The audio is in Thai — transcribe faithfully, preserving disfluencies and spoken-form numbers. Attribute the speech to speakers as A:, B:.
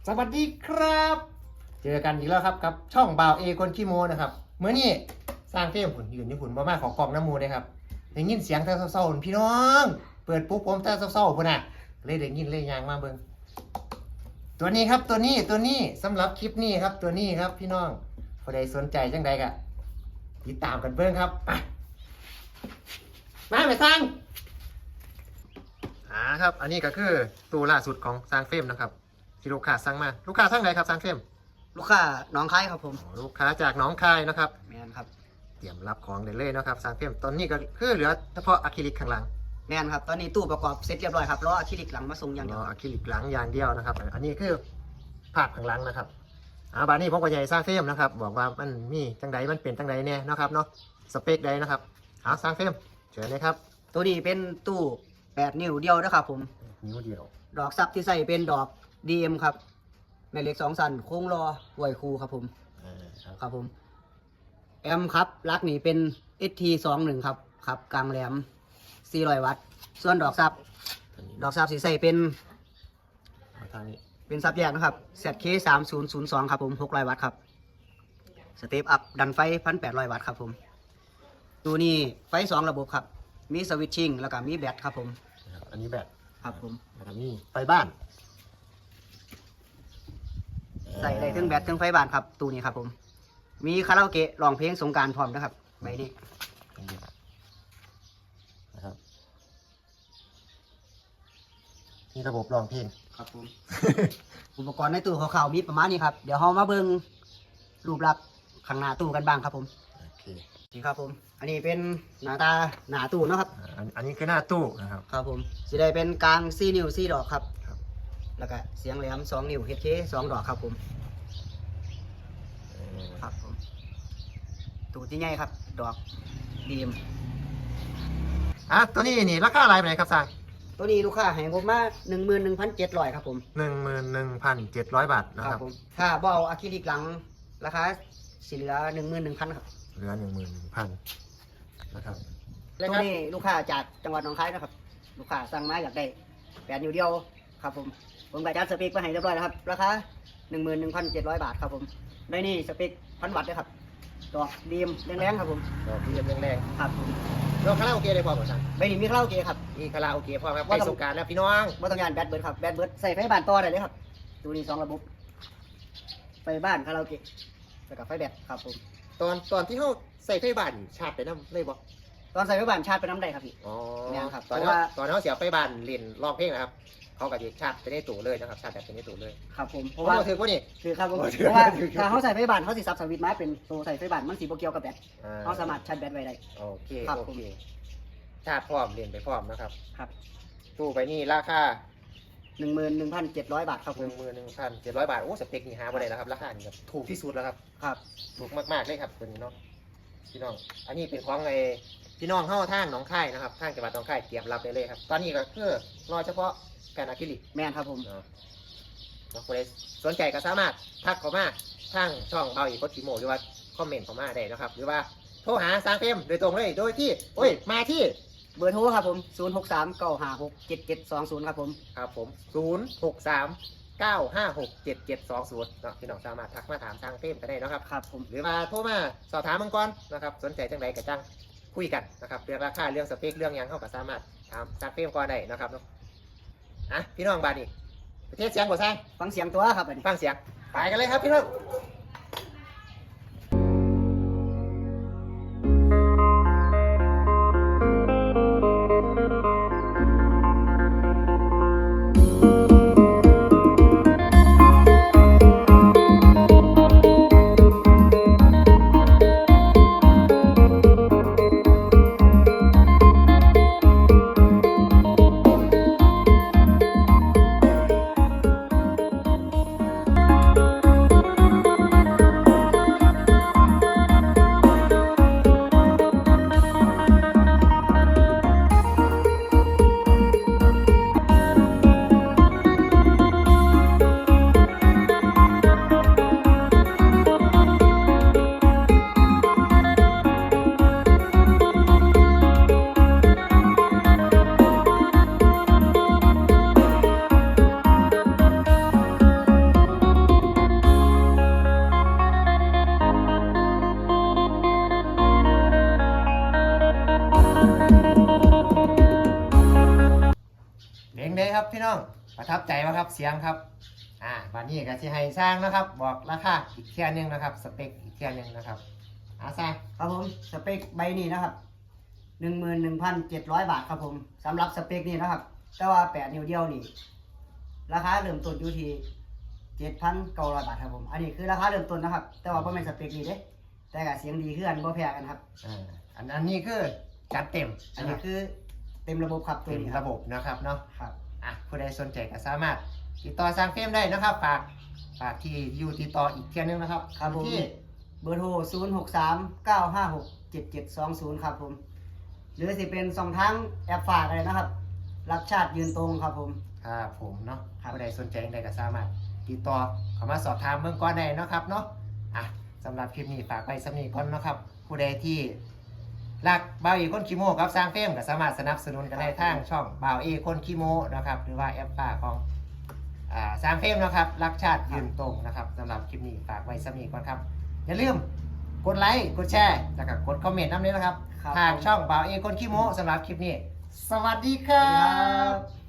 A: สวัสดีครับเจอกันอีกแล้วครับกับช่องบ่าวเอคนขี้โมนะครับเมื่อนี้สร้างเฟรมหุ่นยืนที่หุ่นบ่มาของกล่องน้ำมูเลยครับได้ยินเสียงแต่เศร้าๆพี่น้องเปิดปุ๊บผมแต่เศร้าๆพุ่นน่ะเลยได้ยินเลยยางมาเบิ่งตัวนี้ครับตัวนี้ตัวนี้สำหรับคลิปนี้ครับตัวนี้ครับพี่น้องผู้ใดสนใจจังใดก็ติดตามกันเบิ่งครับมาไปสร้างอ่าครับอันนี้ก็คือตัวล่าสุดของสร้างเฟรมนะครับที่ลูกค้าสั่งมาลูกค้าสั่งไหนครับสร้างเฟรม
B: ลูกค้าน้องคายครับผม
A: ลูกค้าจากหนองคายนะครับ
B: แมนครับ
A: เตรียมรับของได้เลยนะครับสร้างเฟรมตอนนี้ก็คือเหลือเฉพาะอะคริลิกข้างหลัง
B: แมนครับตอนนี้ตู้ประกอบเสร็จเรียบร้อยครับรออะคริลิกหลังมาส่งอย่างเดี
A: ร
B: ยว
A: ออะคริลิกหลังอย่างเดียวนะครับอันนี้คือภาพข้างหลังนะครับอ่าบานนี้ผมก็ใหญ่สร้างเฟรมนะครับบอกว่ามันมีจังใดมันเป็นจังใดเนี่ยนะครับเนาะสเปคใดนะครับเอาสร้างเฟรมเชิญเลยครับ
B: ตัวนี้เป็นตู้แปดนิ้วเดียวนะครับผม
A: นิ้วเดียว
B: ดอกซับที่ใส่เป็นดอก ดี เอ็ม ครับแม่เหล็กสองสันโค้งรอหวยคูครับผม
A: อ่าครับ
B: ครับผมแอมครับลักนี่เป็น เอส ที สองสิบเอ็ด ครับครับกลางแหลมสี่ร้อยวัตต์ส่วนดอกซับ
A: อันนี้
B: ดอกซับสีใส่เป็น
A: เอาทางนี้
B: เป็นซับแยกนะครับ แซด เค สามศูนย์ศูนย์สอง ครับผมหกร้อยวัตต์ครับสเตปอัพดันไฟ หนึ่งพันแปดร้อย วัตต์ครับผมตัวนี้ไฟสองระบบครับมีสวิตชิ่งแล้วก็มีแบตครับผม
A: นะครับอันนี้แบต
B: ครับผม
A: แล้วก็มีไฟบ้าน
B: ใส่ได้ทั้งแบตทั้งไฟบ้านครับตัวนี้ครับผมมีคาราโอเกะร้องเพลงสงกรารพร้อมนะครับใบนี้
A: นะครับนี่ระบบรองเพลง
B: ครับผม อุปกรณ์ในตู้ขาวๆมีประมาณนี้ครับเดี๋ยวเรามาเบิ่งรูปลักษณ์ข้างหน้าตู้กันบ้างครับผม
A: โอเค
B: นี่ครับผมอันนี้เป็นหน้าตาหน้าตู้เนาะครับ
A: อ่าอันอันนี้คือหน้าตู้นะครับ
B: ครับผมสิได้เป็นกลางสี่นิ้วสี่ดอกครับ
A: ครับ
B: แล้วก็เสียงแหลมสองนิ้ว เอช เค สองดอกครับผม
A: เออ
B: ครับผมตู้ที่ใหญ่ครับ ดอกดีม
A: อ่ะตัวนี้นี่ราคาอะไรไปไหนครับสร้าง
B: ตัวนี้ลูกค้าให้ผมมาหนึ่งหมื่นหนึ่งพันเจ็ดร้อยครับผม
A: หนึ่งหมื่นหนึ่งพันเจ็ดร้อยบาทนะครับ
B: ผมถ้าเบเอาอะคริลิกหลังราคาสิเหลือหนึ่งหมื่นหนึ่งพันครับ
A: เหลือหนึ่งหมื่นหนึ่งพันนะครับ
B: ตัวนี้ลูกค้าจากจังหวัดหนองคายนะครับ ลูกค้าสั่งมาอยากได้แปดนิ้วเดียวครับผมผมก็จัดสเปคไปให้เรียบร้อยแล้วครับราคาหนึ่งหมื่นหนึ่งพันเจ็ดร้อยบาทครับผมได้นี่สเปคพันวัตต์ด้วยครับดอกดีมแรงๆครับผม
A: ดอกเบี้ยแรง
B: ครับผม
A: ๆเราคาราโอเกะได้พอหมดสั่ง
B: ใบนี้มีคาราโอเกะครับ
A: มีคาราโอเกะพอครับ
B: ว่า
A: ใกล้
B: ต้อง
A: สงกรารแล้วพี่น้อง
B: ว่าต้องยานแบตเบิร์ดครับแบตเบิร์ดใส่ไฟบ้านต่อได้เลยครับตัวนี้สองระบบไฟบ้านคาราโอเกะแล้วก็ไฟแบตครับผม
A: ตอนตอนที่เขาใส่ไฟบ้านชาร์จไปน้ำเลยบอก
B: ตอนใส่ไฟบ้านชาร์จไปน้ำได้ครับพี่
A: อ๋อ
B: เนี่ยครับ
A: ตอน
B: เพ
A: นี้
B: ราะว่า
A: ตอนนี้เขาเสียไฟบ้านเล่นร้องเพลงนะครับเขาก็จะชาร์จไปในตู้เลยนะครับชาร์จแบบไปในตู้เลย
B: ครับผมเพ
A: เพ
B: ราะ
A: ราะ
B: ว่า
A: ว่าถือว่านี่
B: คือครับผม
A: โอ้
B: เพราะว่า
A: ถือ
B: ถ้าเขาใส่ไฟบ้านเขาสิซับสวิตช์มาเป็นตัวใส่ไฟบ้านมันสีโปเกียวกับแบต
A: อ่
B: เขาสามารถชาร์จแบตไว้ได้
A: โอเค
B: ครับ
A: โอ
B: ผม
A: เคชาร์จพร้อมเรียนไปพร้อมนะครับ
B: ครับ
A: ตู้ไปนี่ราคา
B: หนึ่งหมื่นหนึ่งพันเจ็ดร้อยบาทครับ
A: ห
B: ผ
A: นึ่
B: ม
A: งหมื่นหนึ่งพันเจ็ดร้อยบาทโอ้สเปคนี่หาบ่ได้แล้วครับราคานี่ครับถูกที่สุดแล้วครับ
B: ครับ
A: ถูกมากๆเลยครับตัวนี้เนาะพี่น้องอันนี้เป็นของไอ้พี่น้องเข้าทางหนองคายนะครับทางจังหวัดหนองคายเตรียมรับได้เลยครับ ตอนนี้ก็คือรอเฉพาะแผ่นอะคริลิก
B: แม่นครับผม
A: เนาะเนาะคนใดสนใจก็สามารถทักเข้ามาทางช่องเบาอีกโคชิโมหรือว่าคอมเมนต์เข้ามาได้นะครับ หรือว่าโทรหาสร้างเฟรมโดยตรงเลยโดยที่โอ้ยมาที่
B: เบอร์โทรครับผมศูนย์หกสามเก้าห้าหกเจ็ดเจ็ดสองศูนย์ครับผม
A: ครับผมศูนย์หกสามเก้าห้าหกเจ็ดเจ็ดสองศูนย์เนาะพี่น้องสามารถทักมาถามสร้างเฟรมก็ได้เนาะครับ
B: ครับผม
A: หรือมาโทรมาสอบถามมังกรนะครับสนใจจังไรกับจังคุยกันนะครับเรื่องราคาเรื่องสเปคเรื่องหยังเข้ากับสามารถถามสร้างเฟรมก่อนได้นะครับเนาะอ่ะพี่น้องบาดนี้ประเทศเสียงบ่สร้าง
B: ฟังเสียงตัวครับอันนี้
A: ฟังเสียงไปกันเลยครับพี่น้องประทับใจไหมครับเสียงครับอ่าวันนี้ก็สิให้สร้างนะครับ บอกราคาอีกเที่ยหนึงนะครับสเปคอีกเที่ยหนึงนะครับอาสร้าง
B: ครับผมสเปคใบนี้นะครับหนึ่งหมื่นหนึ่งพันเจ็ดร้อยบาทครับผมสำหรับสเปคนี้นะครับ แต่ว่าแปดนิ้วเดียวนี่ราคาเริ่มต้นอยู่ที่เจ็ดพันเก้าร้อยบาทครับผมอันนี้คือราคาเริ่มต้นนะครับ แต่ว่าไม่เป็นสเปคนี้เด้แต่ก็เสียงดีขึ้นบ่แพ้กันครับ
A: อ่าอันอันนี้คือจัดเต็ม
B: อันนี้คือเต็มระบบครับตัว
A: เป็น
B: นี้ครั
A: ระ
B: บ
A: บบนะครับเนาะ
B: ครับ
A: อ่ะผู้ใดสนใจก็สามารถติดต่อสร้างเฟรมได้นะครับฝากฝากที่อยู่ติดต่ออีกเที่ยหนึงนะครับ
B: ครับผม
A: ที่
B: เบอร์โทรศูนย์ หก สาม เก้า ห้า หก เจ็ด เจ็ด สอง ศูนย์ครับผมหรือสิเป็นสองทางแอปฝากอะไรนะครับ รักชาติยืนตรงครับผม
A: ครับผมเนาะ
B: ครับ
A: ผู้ใดสนใจใดก็สามารถติดต่อเข้ามาสอบถามเบื้องก่อนได้เนาะครับเนาะอ่ะสำหรับคลิปนี้ฝากไว้สำนีก่อนเนาะครับ ผู้ใดที่รักบ่าวเอคนคีโมครับสร้างเฟรมก็สามารถสนับสนุนกันได้ทางช่องบ่าวเอคนคีโมนะครับหรือว่าแอปฝากของอ่าสร้างเฟรมนะครับรักชาติยืนตรงนะครับสำหรับคลิปนี้ฝากไว้สำนีก่อนครับ อย่าลืมกดไลค์กดแชร์แล้วก็กดคอมเมนต์น้ำนี้นะครับ
B: ครับ
A: ทางช่องบ่าวเอคนคีโมสำหรับคลิปนี้ สวัสดีค
B: สวั
A: รั
B: สดีครับ บ